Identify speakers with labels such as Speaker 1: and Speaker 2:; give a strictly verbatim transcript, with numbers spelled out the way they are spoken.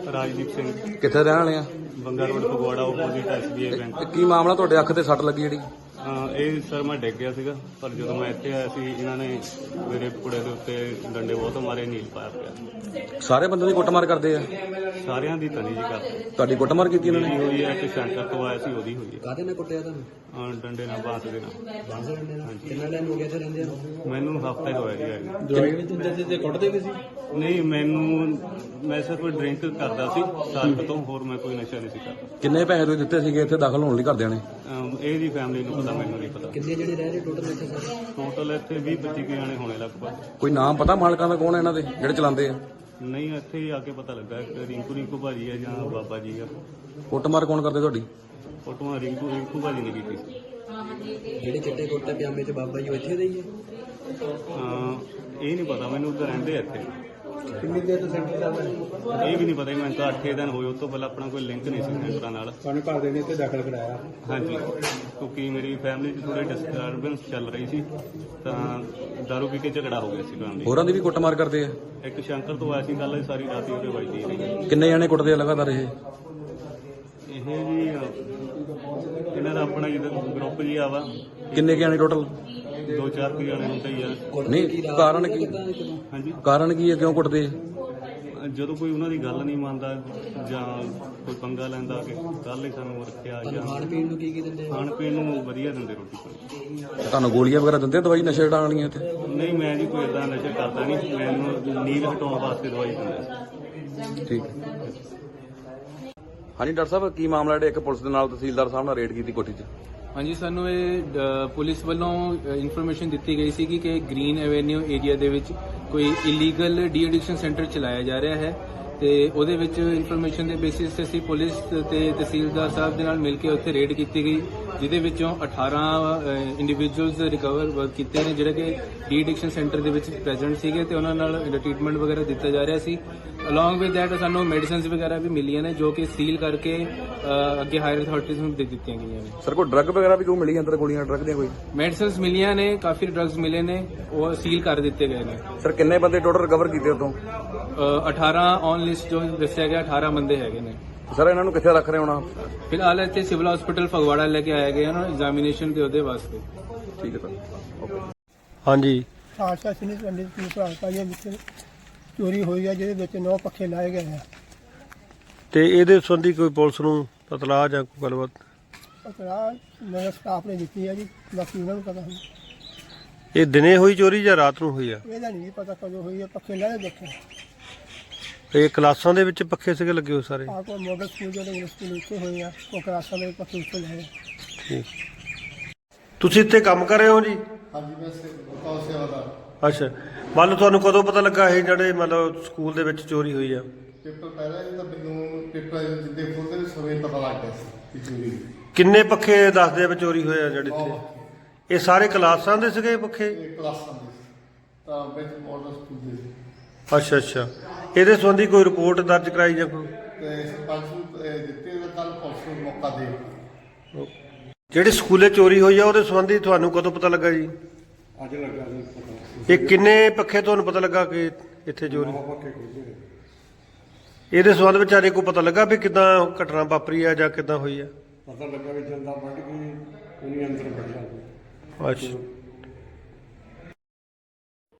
Speaker 1: ਰਾਜਦੀਪ ਸਿੰਘ
Speaker 2: ਕਿੱਥੇ ਰਹਿਣ ਵਾਲੇ ਆ?
Speaker 1: Banga road Phagwara opposite SBI bank.
Speaker 2: ਕੀ ਮਾਮਲਾ ਤੁਹਾਡੇ ਅੱਖ ਤੇ ਸੱਟ ਲੱਗੀ ਜਿਹੜੀ?
Speaker 1: ਇਹ ਸਰ ਮੈਂ ਡਿੱਗ ਗਿਆ ਸੀਗਾ, ਪਰ ਜਦੋਂ ਮੈਂ ਇੱਥੇ ਆਇਆ ਸੀ ਇਹਨਾਂ ਨੇ ਮੇਰੇ ਕੁੜੇ ਦੇ ਉੱਤੇ ਡੰਡੇ ਬਹੁਤ ਮਾਰੇ, ਨੀਲ ਪਾਇਆ ਪਿਆ।
Speaker 2: ਸਾਰੇ ਬੰਦੇ ਦੀ ਕੁੱਟਮਾਰ ਕਰਦੇ ਆ?
Speaker 1: ਸਾਰਿਆਂ ਦੀ ਤਨੀ ਜੀ ਕਰ
Speaker 2: ਤੁਹਾਡੀ ਕੁੱਟਮਾਰ ਕੀਤੀ ਇਹਨਾਂ ਨੇ?
Speaker 1: ਹੋਈ ਹੈ, ਇੱਕ ਸੈਂਟਰ ਤੋਂ ਆਇਆ ਸੀ ਉਹਦੀ ਹੋਈ ਹੈ।
Speaker 3: ਕਾਹਦੇ ਨਾਲ ਕੁੱਟਿਆ ਤੁਹਾਨੂੰ?
Speaker 1: ਹਾਂ, ਡੰਡੇ ਨਾਲ, ਬਾਂਸ ਦੇ ਨਾਲ।
Speaker 3: ਬਾਂਸ ਦੇ ਡੰਡੇ ਨਾਲ? ਕਿੰਨਾ ਟਾਈਮ ਹੋ ਗਿਆ ਇੱਥੇ ਰਹਿੰਦੇ ਨੂੰ?
Speaker 1: ਮੈਨੂੰ ਹਫ਼ਤਾ ਹੀ ਹੋਇਆ ਜੀ ਆਏ ਨੂੰ।
Speaker 3: ਦਵਾਈ ਵੀ ਦਿੰਦੇ ਸੀ ਤੇ ਕੁੱਟਦੇ ਵੀ ਸੀ?
Speaker 1: ਨਹੀਂ, ਮੈਨੂੰ ਮੈਂ ਸਿਰਫ ਡਰਿੰਕ ਕਰਦਾ ਸੀ ਸਾਲ ਕੁ ਤੋਂ, ਹੋਰ ਮੈਂ ਕੋਈ ਨਸ਼ਾ ਨਹੀਂ ਸੀ ਕਰਦਾ।
Speaker 2: ਕਿੰਨੇ ਪੈਸੇ ਤੁਸੀਂ ਦਿੱਤੇ ਸੀਗੇ ਇੱਥੇ ਦਾਖਲ ਹੋਣ ਲਈ ਘਰਦਿਆਂ ਨੇ?
Speaker 1: ਅਮ ਇਹਦੀ ਫੈਮਿਲੀ ਨੂੰ ਪਤਾ, ਮੈਨੂੰ ਨਹੀਂ ਪਤਾ।
Speaker 3: ਕਿੰਨੇ ਜਿਹੜੇ ਰਹਿ ਰਹੇ ਟੋਟਲ ਇੱਥੇ ਸਾਰੇ?
Speaker 1: ਟੋਟਲ ਇੱਥੇ ਵੀਹ ਪੱਚੀ ਕੁ ਜਾਣੇ ਹੋਣੇ ਲਗਭਗ।
Speaker 2: ਕੋਈ ਨਾਮ ਪਤਾ ਮਾਲਕਾਂ ਦਾ ਕੌਣ ਹੈ ਇਹਨਾਂ ਦੇ ਜਿਹੜੇ ਚਲਾਉਂਦੇ ਆ?
Speaker 1: ਨਹੀਂ, ਇੱਥੇ ਹੀ ਆ ਕੇ ਪਤਾ ਲੱਗਾ ਇੱਕ ਰਿੰਕੂ ਰਿੰਕੂ ਭਾਜੀ ਹੈ ਜਾਂ ਬਾਬਾ ਜੀ ਆ।
Speaker 2: ਕੁੱਟਮਾਰ ਕੌਣ ਕਰਦੇ ਤੁਹਾਡੀ?
Speaker 1: ਫੋਟੋਆਂ ਰਿੰਕੂ ਰਿੰਕੂ ਭਾਜੀ ਨੇ ਕੀਤੀ ਸੀ।
Speaker 3: ਜਿਹੜੇ ਚਿੱਟੇ ਕੁੜਤੇ ਪਜਾਮੇ ਚ ਬਾਬਾ ਜੀ ਉਹ ਇੱਥੇ ਦੇ ਹੀ ਆ?
Speaker 1: ਹਾਂ, ਇਹ ਨਹੀਂ ਪਤਾ ਮੈਨੂੰ, ਉੱਧਰ ਰਹਿੰਦੇ ਆ ਇੱਥੇ।
Speaker 3: ਕਿੰਨੀ ਦੇਰ ਤੋਂ ਸੈਂਟਰ ਚੱਲਦਾ?
Speaker 1: ਇਹ ਵੀ ਨਹੀਂ ਪਤਾ, ਮੈਨੂੰ ਤਾਂ ਅੱਠ ਦਿਨ ਹੋਏ, ਉਸ ਤੋਂ ਪਹਿਲਾਂ ਆਪਣਾ ਕੋਈ ਲਿੰਕ ਨਹੀਂ ਸੀ ਸੈਂਟਰਾਂ ਨਾਲ।
Speaker 3: ਤੁਹਾਨੂੰ ਘਰ ਦੇ ਨੇ ਇੱਥੇ ਦਾਖਲ ਕਰਾਇਆ?
Speaker 1: ਹਾਂਜੀ, ਕਿਉਂਕਿ ਮੇਰੀ ਫੈਮਿਲੀ 'ਚ ਥੋੜੀ ਡਿਸਟਰਬੈਂਸ ਚੱਲ ਰਹੀ ਸੀ, ਤਾਂ ਦਾਰੂ ਪੀ ਕੇ ਝਗੜਾ ਹੋ ਗਿਆ ਸੀ ਫੈਮਿਲੀ।
Speaker 2: ਹੋਰਾਂ ਦੀ ਵੀ ਕੁੱਟਮਾਰ ਕਰਦੇ ਆ?
Speaker 1: ਇੱਕ ਸ਼ੰਕਰ ਤੋਂ ਆਇਆ ਸੀ, ਗੱਲ ਸਾਰੀ ਰਾਤ ਹੀ ਉਹਦੇ ਵੱਜਦੀ ਰਹੀ।
Speaker 2: ਕਿੰਨੇ ਜਾਣੇ ਕੁੱਟਦੇ ਆ ਲਗਾਤਾਰ ਇਹ?
Speaker 1: ਇਹ ਜੀ ਇਹਨਾਂ ਦਾ ਆਪਣਾ ਜਿੱਦਾਂ ਗਰੁੱਪ ਜੀ ਆਵਾ,
Speaker 2: ਕਿੰਨੇ ਕੁ ਜਾਣੇ ਟੋਟਲ?
Speaker 1: ਦੋ ਚਾਰ ਕੁ ਜਾਣੇ ਹੁੰਦੇ ਹੀ ਆ।
Speaker 2: ਨਹੀਂ, ਕਾਰਨ ਕੀ?
Speaker 1: ਹਾਂਜੀ,
Speaker 2: ਕਾਰਨ ਕੀ ਹੈ, ਕਿਉਂ ਕੁੱਟਦੇ ਆ?
Speaker 1: ਜਦੋਂ ਕੋਈ ਉਹਨਾਂ ਦੀ ਗੱਲ ਨਹੀਂ ਮੰਨਦਾ ਜਾਂ ਕੋਈ ਪੰਗਾ ਲੈਂਦਾ ਕਿ ਕੱਲ ਹੀ ਸਾਨੂੰ ਰੱਖਿਆ, ਜਾਂ
Speaker 3: ਖਾਣ ਪੀਣ ਨੂੰ ਕੀ ਕੀ ਦਿੰਦੇ?
Speaker 1: ਖਾਣ ਪੀਣ ਨੂੰ ਵਧੀਆ ਦਿੰਦੇ, ਰੋਟੀ ਪਾਣੀ।
Speaker 2: ਤੁਹਾਨੂੰ ਗੋਲੀਆਂ ਵਗੈਰਾ ਦਿੰਦੇ ਆ ਦਵਾਈ ਨਸ਼ੇ ਛਡਾਉਣ ਵਾਲੀਆਂ ਇੱਥੇ?
Speaker 1: ਨਹੀਂ, ਮੈਂ ਜੀ ਕੋਈ ਏਦਾਂ ਨਸ਼ਾ ਕਰਦਾ ਨਹੀਂ, ਮੈਨੂੰ ਨੀਂਦ ਹਟਾਉਣ ਵਾਸਤੇ ਦਵਾਈ ਦਿੰਦੇ।
Speaker 2: ਠੀਕ। ਹਾਂਜੀ ਡਾਕਟਰ ਸਾਹਿਬ, ਕੀ ਮਾਮਲਾ ਜਿਹੜੇ ਇੱਕ ਪੁਲਿਸ ਦੇ ਨਾਲ ਤਹਿਸੀਲਦਾਰ ਸਾਹਿਬ ਨਾਲ ਰੇਡ ਕੀਤੀ ਕੋਠੀ 'ਚ?
Speaker 4: ਹਾਂਜੀ, ਸਾਨੂੰ ਇਹ ਅ, ਪੁਲਿਸ ਵੱਲੋਂ ਇਨਫੋਰਮੇਸ਼ਨ ਦਿੱਤੀ ਗਈ ਸੀ ਕਿ ਗ੍ਰੀਨ ਐਵੇਨਿਊ ਏਰੀਆ ਦੇ ਵਿੱਚ ਕੋਈ ਇਲੀਗਲ ਡੀ ਐਡਿਕਸ਼ਨ ਸੈਂਟਰ ਚਲਾਇਆ ਜਾ ਰਿਹਾ ਹੈ, ਤੇ ਉਹਦੇ ਵਿੱਚ ਇਨਫੋਰਮੇਸ਼ਨ ਦੇ ਬੇਸਿਸ ਤੇ ਅਸੀਂ ਪੁਲਿਸ ਤੇ ਤਹਿਸੀਲਦਾਰ ਸਾਹਿਬ ਦੇ ਨਾਲ ਮਿਲ ਕੇ ਉੱਥੇ ਰੇਡ ਕੀਤੀ ਗਈ, ਜਿਹਦੇ ਵਿੱਚੋਂ ਅਠਾਰਾਂ ਇੰਡੀਵਿਜੂਅਲਸ ਰਿਕਵਰ ਕੀਤੇ ਨੇ ਜਿਹੜੇ ਕਿ ਡੀ ਐਡਿਕਸ਼ਨ ਸੈਂਟਰ ਦੇ ਵਿੱਚ ਪ੍ਰੈਜ਼ੈਂਟ ਸੀਗੇ, ਤੇ ਉਹਨਾਂ ਨਾਲ ਟ੍ਰੀਟਮੈਂਟ ਵਗੈਰਾ ਦਿੱਤਾ ਜਾ ਰਿਹਾ ਸੀ। ਅਲੋਂਗ ਵਿਦ ਦੈਟ ਸਾਨੂੰ ਮੈਡੀਸਿਨਸ ਵਗੈਰਾ ਵੀ ਮਿਲੀਆਂ ਨੇ, ਜੋ ਕਿ ਸੀਲ ਕਰਕੇ ਅ, ਅੱਗੇ ਹਾਇਰ ਅਥਾਰਟੀਜ਼ ਨੂੰ ਦੇ ਦਿੱਤੀਆਂ ਗਈਆਂ ਨੇ।
Speaker 2: ਸਰ, ਕੋਈ ਡਰੱਗ ਵਗੈਰਾ ਵੀ ਕੋਈ ਮਿਲੀ ਅੰਦਰ? ਗੋਲੀਆਂ ਡਰੱਗ ਦੀਆਂ ਕੋਈ?
Speaker 4: ਮੈਡੀਸਿਨਸ ਮਿਲੀਆਂ ਨੇ, ਕਾਫੀ ਡਰੱਗਸ ਮਿਲੇ ਨੇ, ਉਹ ਸੀਲ ਕਰ ਦਿੱਤੇ ਗਏ ਨੇ।
Speaker 2: ਸਰ, ਕਿੰਨੇ ਬੰਦੇ ਟੋਟਲ ਰਿਕਵਰ ਕੀਤੇ ਉਤੋਂ?
Speaker 4: ਅ, ਅਠਾਰਾਂ ਔਨ ਲਿਸਟ ਜੋ ਦੱਸਿਆ ਗਿਆ, ਅਠਾਰਾਂ ਬੰਦੇ ਹੈਗੇ ਨੇ।
Speaker 2: ਸਰ, ਇਹਨਾਂ ਨੂੰ ਕਿੱਥੇ ਰੱਖ ਰਹੇ ਹੋਣਾ?
Speaker 4: ਫਿਲਹਾਲ ਇੱਥੇ ਸਿਵਲ ਹਸਪੀਟਲ ਫਗਵਾੜਾ ਲੈ ਕੇ ਆਇਆ ਗਿਆ ਨਾ ਐਗਜ਼ਾਮੀਨੇਸ਼ਨ ਦੇ ਉਹਦੇ ਵਾਸਤੇ।
Speaker 2: ਠੀਕ ਹੈ ਸਰ, ਓਕੇ।
Speaker 5: ਹਾਂਜੀ,
Speaker 6: ਆਸ਼ਾ ਸਿੰਘ ਪਿੰਡ ਦੀ ਭਾਰਤਾਂ ਵਿੱਚ ਚੋਰੀ ਹੋਈ ਹੈ, ਜਿਹਦੇ ਵਿੱਚ ਨੌ ਪੱਖੇ ਲਾਏ ਗਏ ਆ।
Speaker 5: ਤੇ ਇਹਦੇ ਸੰਬੰਧੀ ਕੋਈ ਪੁਲਿਸ ਨੂੰ ਇਤਲਾਹ ਜਾਂ ਕੋਈ ਗੱਲਬਾਤ?
Speaker 6: ਪਤਾ ਮੇਰੇ ਸਟਾਫ ਨੇ ਦਿੱਤੀ ਹੈ ਜੀ, ਬਾਕੀ ਉਹਨਾਂ ਨੂੰ ਪਤਾ ਹੁਣ।
Speaker 5: ਇਹ ਦਿਨੇ ਹੋਈ ਚੋਰੀ ਜਾਂ ਰਾਤ ਨੂੰ ਹੋਈ ਆ?
Speaker 6: ਇਹਦਾ ਨਹੀਂ ਪਤਾ ਕਦੋਂ ਹੋਈ ਹੈ, ਪੱਖੇ ਲਾਏ ਦੇਖੇ।
Speaker 5: ਇਹ ਕਲਾਸਾਂ ਦੇ ਵਿੱਚ ਪੱਖੇ ਸੀਗੇ ਲੱਗੇ ਹੋਏ ਸਾਰੇ?
Speaker 6: ਆਹ ਕੋਈ ਮੋਡਲ ਸਕੂਲ ਜਿਹੜੇ ਇੰਗਲਿਸ਼ ਸਕੂਲ ਉੱਤੇ ਹੋਏ ਆ, ਉਹ ਕਲਾਸਾਂ ਦੇ ਪੱਖੇ ਉੱਤੇ ਲਾਏ।
Speaker 5: ਠੀਕ। ਤੁਸੀਂ ਇੱਥੇ ਕੰਮ ਕਰ ਰਹੇ ਹੋ ਜੀ?
Speaker 7: ਹਾਂਜੀ, ਮੈਂ ਬਤਾਓ ਸੇਵਾਦਾਰ।
Speaker 5: ਅੱਛਾ, ਮੰਨ ਲਓ ਤੁਹਾਨੂੰ ਕਦੋਂ ਪਤਾ ਲੱਗਾ ਇਹ ਜਿਹੜੇ ਮਤਲਬ ਸਕੂਲ ਦੇ ਵਿੱਚ ਚੋਰੀ ਹੋਈ ਆ?
Speaker 7: ਪੇਪਰ ਪਹਿਲਾਂ ਹੀ ਤਾਂ ਮੈਨੂੰ ਪੇਪਰ ਜਿੱਦੇ ਖੋਲ੍ਹਦੇ ਸਮੇਂ ਪਤਾ ਲੱਗ ਗਿਆ ਸੀ ਕਿ ਚੋਰੀ ਹੋਈ।
Speaker 5: ਕਿੰਨੇ ਪੱਖੇ ਦੱਸਦੇ ਆ ਵੀ ਚੋਰੀ ਹੋਏ ਆ ਜਿਹੜੇ ਇੱਥੇ? ਇਹ ਸਾਰੇ ਕਲਾਸਾਂ ਦੇ ਸੀਗੇ ਪੱਖੇ?
Speaker 7: ਇਹ ਕਲਾਸਾਂ ਦੇ ਸੀ, ਤਾਂ ਵਿੱਚ ਮਾਡਲ ਸਕੂਲ ਦੇ ਸੀ।
Speaker 5: ਅੱਛਾ ਅੱਛਾ, ਇਹਦੇ ਸੰਬੰਧੀ ਕੋਈ ਰਿਪੋਰਟ ਦਰਜ ਕਰਾਈ ਜਾਂ ਕੋਈ?
Speaker 7: ਤੇ ਸਰਪੰਚ ਨੂੰ ਇਹ ਦਿੱਤੇ ਕੱਲ ਪੁਲਿਸ ਨੂੰ ਮੌਕਾ ਦੇ।
Speaker 5: ਜਿਹੜੀ ਸਕੂਲੇ ਚੋਰੀ ਹੋਈ ਆ ਉਹਦੇ ਸੰਬੰਧੀ ਤੁਹਾਨੂੰ ਕਦੋਂ ਪਤਾ ਲੱਗਾ ਜੀ?
Speaker 7: ਅੱਜ ਲੱਗਾ ਜੀ ਪਤਾ।
Speaker 5: ਇਹ ਕਿੰਨੇ ਪੱਖੇ ਤੁਹਾਨੂੰ ਪਤਾ ਲੱਗਾ ਕਿ ਇੱਥੇ ਚੋਰੀ?
Speaker 7: ਪੱਕੇ ਖੋਲ੍ਹੇ।
Speaker 5: ਇਹਦੇ ਸੰਬੰਧ ਵਿੱਚ ਅਜੇ ਕੋਈ ਪਤਾ ਲੱਗਾ ਵੀ ਕਿੱਦਾਂ ਘਟਨਾ ਵਾਪਰੀ ਆ ਜਾਂ ਕਿੱਦਾਂ ਹੋਈ ਆ?
Speaker 7: ਪਤਾ ਲੱਗਾ ਵੀ ਜੰਦਾ ਵੱਢ ਕੇ ਉਹਨੇ ਅੰਦਰ ਵੜਿਆ।
Speaker 5: ਅੱਛਾ।